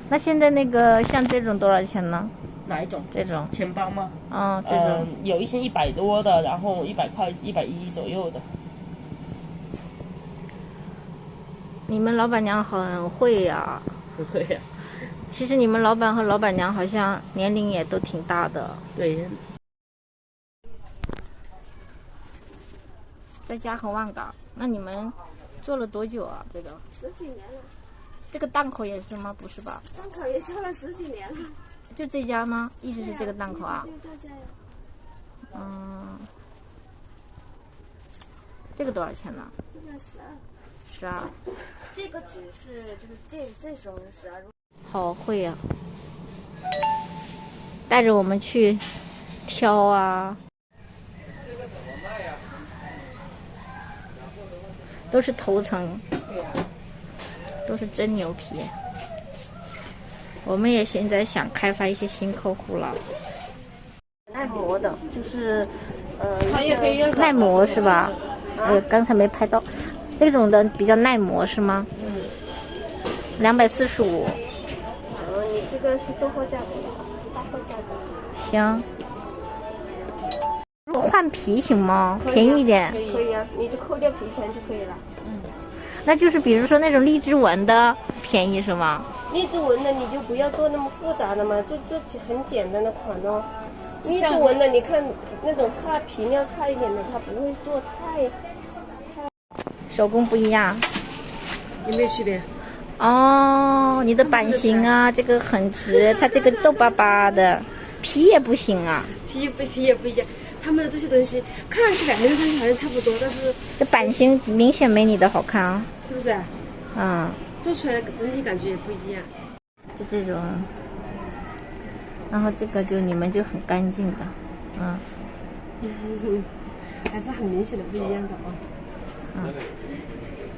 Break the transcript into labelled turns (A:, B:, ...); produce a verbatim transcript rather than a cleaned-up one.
A: 那现在那个像这种多少钱呢？
B: 哪一种？
A: 这种
B: 钱包吗？
A: 嗯，这种、
B: 呃、有一些一百多的，然后一百块、一百一左右的。
A: 你们老板娘很会呀、啊。
B: 不会呀、啊。
A: 其实你们老板和老板娘好像年龄也都挺大的。
B: 对。
A: 在嘉禾万港，那你们做了多久啊？这个
C: 十几年了。
A: 这个档口也是吗？不是吧？
C: 档口也做了十几年了。
A: 就这家吗？一直是这个档口啊？
C: 就这家呀。
A: 嗯。这个多少钱呢？
C: 这个十二。
A: 十二。
C: 这个只是就是这这时候是十二。
A: 好会呀、啊！带着我们去挑啊。都是头层，都是真牛皮。我们也现在想开发一些新客户了。耐磨的，就是呃，耐磨是吧？呃，刚才没拍到，这种的比较耐磨是吗？
C: 嗯。
A: 两百四十五。
C: 哦，你这个是中货价格，大货价格。
A: 行。如果换皮行吗？便宜一点。
C: 可以可以啊，你就扣掉皮钱就可以了。
A: 嗯。那就是比如说那种荔枝纹的便宜是吗？
C: 荔枝纹的你就不要做那么复杂的嘛，就做很简单的款哦。荔枝纹的你看那种差皮料差一点的，它不会做太太。
A: 手工不一样。
C: 有没有区别？
A: 哦，你的版型啊，这个很直，它这个皱巴巴的，皮也不行啊。
C: 皮不皮也不一样。他们的这些东西看上去两个东西好像差不多，但是
A: 这版型明显没你的好看啊，
C: 是不是？
A: 嗯，
C: 做出来整体感觉也不一样。
A: 就这种，然后这个就你们就很干净的，嗯，
C: 还是很明显的不一样的啊。
A: 嗯。